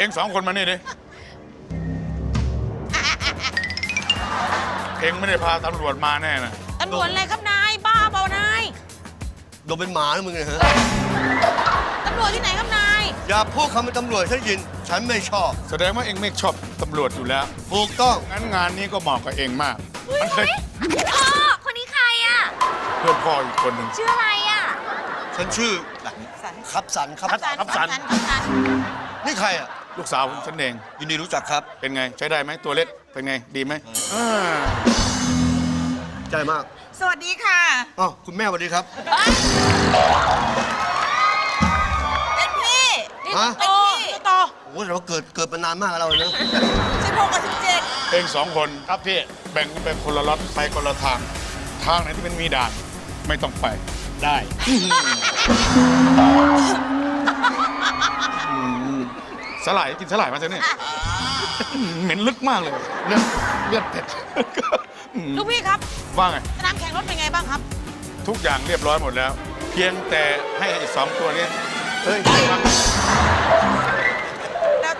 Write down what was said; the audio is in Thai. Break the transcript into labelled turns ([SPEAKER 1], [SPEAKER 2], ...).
[SPEAKER 1] เอ็งสองคนมานี่ดิเอ็งไม่ได้พาตำรวจมาแน่นะ
[SPEAKER 2] ตำรวจอะไรครับนายบ้าเปล่านาย
[SPEAKER 3] โดนเป็นหมาแล้วมึงเนี่ยฮะ
[SPEAKER 2] ตำรวจที่ไหนครับนาย
[SPEAKER 3] อย่าพูดคำเป็นตำรวจฉันยิน ฉันไม่ชอบ
[SPEAKER 1] แสดงว่าเอ็งไม่ชอบตำรวจอยู่แล้ว
[SPEAKER 3] ถูกต้อง
[SPEAKER 1] งั้นงานนี้ก็เหมาะกับเอ็งมาก มันเคย
[SPEAKER 4] พ่อคนนี้ใครอ่ะ
[SPEAKER 1] เพื่อนพ่ออีกคนหนึ่ง
[SPEAKER 4] ชื่ออะไรอ่ะ
[SPEAKER 3] ฉันชื่อ
[SPEAKER 2] สัน
[SPEAKER 3] ครับสันครับ
[SPEAKER 1] ครับสัน
[SPEAKER 3] นี่ใครอ่ะ
[SPEAKER 1] ลูกสาวของฉันเอง
[SPEAKER 3] ยินดีรู้จักครับ
[SPEAKER 1] เป็นไงใช้ได้ไหมตัวเล็กเป็นไงดีไหม
[SPEAKER 3] ใจมาก
[SPEAKER 2] สวัสดีค่ะ
[SPEAKER 3] อ้าวคุณแม่สวัสดีครับ
[SPEAKER 2] เป็นพี่นี่
[SPEAKER 3] ฮะ
[SPEAKER 2] เป็นพี่โต
[SPEAKER 3] โอ้โหแต่ว่าเกิดมานานมากแล้วเราเนอะ
[SPEAKER 2] 16 กับ
[SPEAKER 1] เองสองคนครับพี่แบ่งกันไปคนละล็อตไปคนละทาง ทางไหนที่มันมีด่านไม่ต้องไปได้สลายกินสลายมาเถอะเนี่ยเหม็นลึกมากเลยเลือดเผ็ด
[SPEAKER 2] 17 ลูกพี่ครับ
[SPEAKER 1] ว่าไง
[SPEAKER 2] สนามแข่งรถเป็นไงบ้างครับ
[SPEAKER 1] ทุกอย่างเรียบร้อยหมดแล้ว เพียงแต่ให้ไอ้สองตัวนี้เฮ้ย